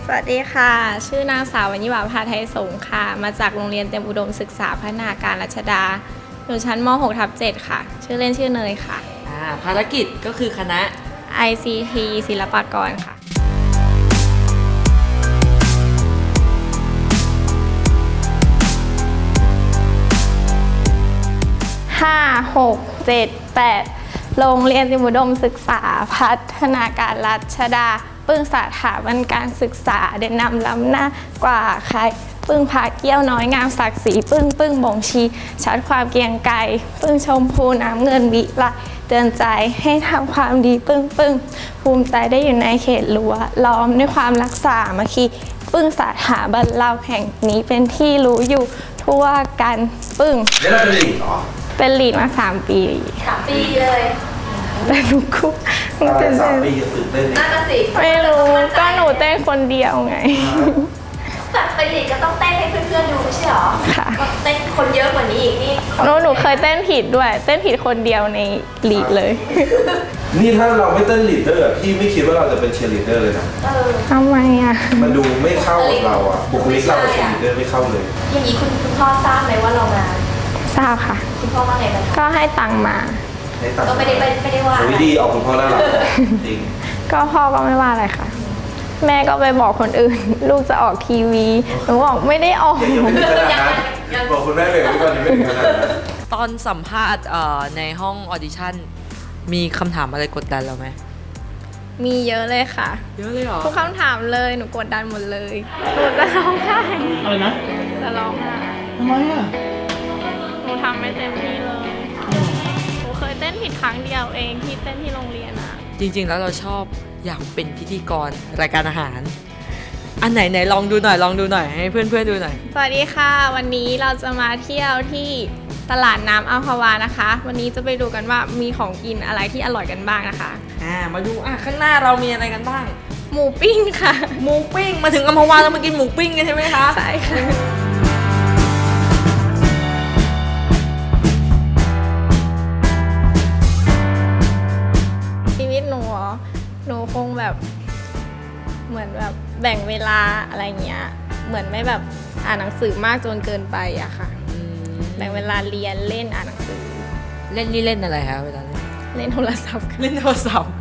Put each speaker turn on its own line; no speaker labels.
วัสดีค่ะชื่อนางสาววรรณิวาภาไทยสงฆ์ค่ะมาจากโรงเรียนเตรียมอุดมศึกษาพัฒนาการรัชดาอยู่ชั้นม .6/7 ค่ะชื่อเล่นชื่อเนยค่ะ
ภารกิจก็คือคณะ
ICT ศิลปากรค่ะ5 6 7 8โรงเรียนเตรียมอุดมศึกษาพัฒนาการรัชดาปึ้งสถาบันการศึกษาเด่นนำล้ำหน้ากว่าใครปึ้งพาเกี้ยวน้อยงามศักดิ์ศรีปึ้งบ่งชี้ชัดความเกรียงไกรปึ้งชมพูน้ำเงินวิไลเตือนใจให้ทำความดีปึ้งภูมิใจได้อยู่ในเขตรั้วล้อมด้วยความรักษามาคีปึ้งสถาบันเราแห่งนี้เป็นที่รู้อยู่ทั่วกันปึ้ง
แล้วเราเป็นลีดเหรอ
เป็นลีดมา3 ปี
3 ปีเลย
แต่หนูก็
เป็น3 ปีจะตื่นเต้น
น่าจะสิ
ไม่รู้ก็หนูเต้นคนเดียวไง
แต่เป็นลีดก็ต้องเต้นให้เพื่อนๆดูไม่ใช่หรอ
ค่ะ
เต้นคนเยอะกว่านี้อีกนี่
หนูเคยเต้นผิดด้วยเต้นผิดคนเดียวในลีดเลย
นี่ถ้าเราไม่เต้นลีดเดอร์พี่ไม่คิดว่าเราจะเป็นเชียร์ลีดเดอร์เลยนะ
ทำไมอ่ะ
มันดูไม่เข้ากับเราอ่ะบุคลิกเราเป็นเชียร์ลีดเดอร์ไม่เข้าเลย
อย่างนี้คุณพ่อทราบไหมว่าเรามา
ทราบค่ะ
คุณพ่อว่าไงบ้าง
ก็ให้ตังค์มา
ก็ไม่ได้ว่า
ดีออกคุณพ่อน่ารักจริง
ก็พ่อก็ไม่ว่าอะไรค่ะแม่ก็ไปบอกคนอื่นลูกจะออกทีวีหนูบอกไม่ได้ออก
ยังไม่ถึงขนาดนั้นบอกคุณแม่เลยว่าตอนนี้ไม่ถึงขนาดนั้น
ตอนสัมภาษณ์ในห้องออดิชั่นมีคำถามอะไรกดดันเราไหม
มีเยอะเลยค่ะ
เยอะเลยเหรอ
ทุกคำถามเลยหนูกดดันหมดเลยหนูจะร้องไห้
อะไรนะ
จะร้องไห้
ทำไมอ่ะ
หนูทำไม่เต็มที่เลยหนูเคยเต้นผิดครั้งเดียวเองที่เต้นที่โรงเรียนอะ
จริงๆแล้วเราชอบอยากเป็นพิธีกรรายการอาหารอันไหนลองดูหน่อยให้เพื่อนๆดูหน่อย
สวัสดีค่ะวันนี้เราจะมาเที่ยวที่ตลาดน้ำอัมพวานะคะวันนี้จะไปดูกันว่ามีของกินอะไรที่อร่อยกันบ้างนะคะ
มาดูข้างหน้าเรามีอะไรกันบ้าง
หมูปิ้งค่ะ
หมูปิ้งมาถึงอัมพวาแล้วมากินหมูปิ้งกันใช่ไหมคะ
ใช่ค่ะชีวิตหนูคงแบบเหมือนแบบแบ่งเวลาอะไรเงี้ยเหมือนไม่แบบอ่านหนังสือมากจนเกินไปอะค่ะแบ่งเวลาเรียนเล่นอ่านหนังสือ
เล่นนี่เล่นอะไรคะเวลา
เล่นโทรศัพท์
เล่นโทรศัพท์